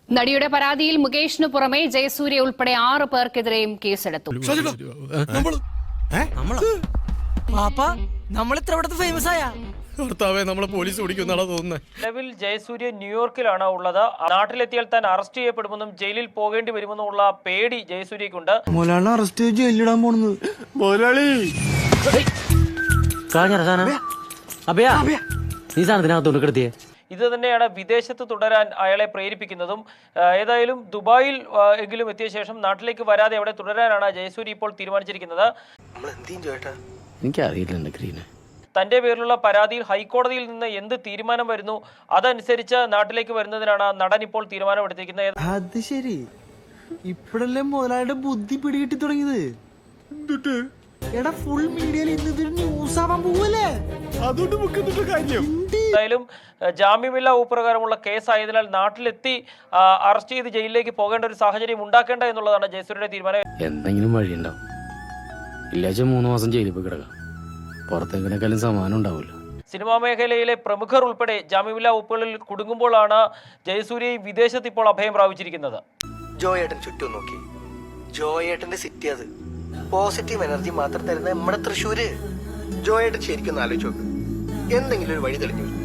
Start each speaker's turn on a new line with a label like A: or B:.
A: നടിയുടെ പരാതിയിൽ മുകേഷിന് പുറമെ ജയസൂര്യ ഉൾപ്പെടെ 6 പേർക്കെതിരെയും കേസെടുത്തു.
B: നിലവിൽ ജയസൂര്യ ന്യൂയോർക്കിലാണ് ഉള്ളത്. നാട്ടിലെത്തിയാൽ താൻ അറസ്റ്റ് ചെയ്യപ്പെടുമെന്നും ജയിലിൽ പോകേണ്ടി വരുമെന്നുള്ള പേടി ജയസൂര്യക്കുണ്ട്. ഇത് തന്നെയാണ് വിദേശത്ത് തുടരാൻ അയാളെ പ്രേരിപ്പിക്കുന്നതും. ഏതായാലും ദുബായിൽ എങ്കിലും എത്തിയ ശേഷം നാട്ടിലേക്ക് വരാതെ അവിടെ തുടരാനാണ് ജയസൂര്യ ഇപ്പോൾ തീരുമാനിച്ചിരിക്കുന്നത്. തന്റെ പേരിലുള്ള പരാതിയിൽ ഹൈക്കോടതിയിൽ നിന്ന് എന്ത് തീരുമാനം വരുന്നു അതനുസരിച്ച് നാട്ടിലേക്ക് വരുന്നതിനാണ് നടൻ ഇപ്പോൾ തീരുമാനമെടുത്തിരിക്കുന്നത്.
C: അത് ശരി, ഇപ്പോഴല്ലേ മുതലാളിയുടെ ബുദ്ധി പിടികിട്ടി തുടങ്ങിയത്. എടാ, ഫുൾ മീഡിയയിൽ ഇന്നൊരു ന്യൂസ് ആവാൻ പോവല്ലേ.
B: എന്തായാലും ജാമ്യമില്ലാ പ്രകാരമുള്ള കേസായതിനാൽ നാട്ടിലെത്തി അറസ്റ്റ് ചെയ്ത് ജയിലിലേക്ക് പോകേണ്ട ഒരു സാഹചര്യം ഉണ്ടാക്കേണ്ട എന്നുള്ളതാണ് ജയസൂര്യയുടെ തീരുമാനം.
D: എന്തെങ്കിലും വഴിയുണ്ടാവും. ഇല്ലാച്ച 3 മാസം ജയിലിൽ പോയി കിടക്കാം. പുറത്തേക്കിനേക്കാളും സമാനം ഉണ്ടാവില്ല.
B: സിനിമാ മേഖലയിലെ പ്രമുഖർ ഉൾപ്പെടെ ജാമ്യമില്ലാ വകുപ്പുകളിൽ കുടുങ്ങുമ്പോഴാണ് ജയസൂര്യ വിദേശത്ത് ഇപ്പോൾ അഭയം പ്രാപിച്ചിരിക്കുന്നത്.
E: ജോയേട്ടൻ ചുറ്റും നോക്കി. ജോയേട്ടന്റെ സിറ്റി അത്. പോസിറ്റീവ് എനർജി മാത്രം തരുന്ന നമ്മുടെ തൃശ്ശൂര്. ജോയേട്ടൻ ശരിക്കും ആലോചിച്ച് നോക്ക്. എന്തെങ്കിലും ഒരു വഴി തെളിഞ്ഞു.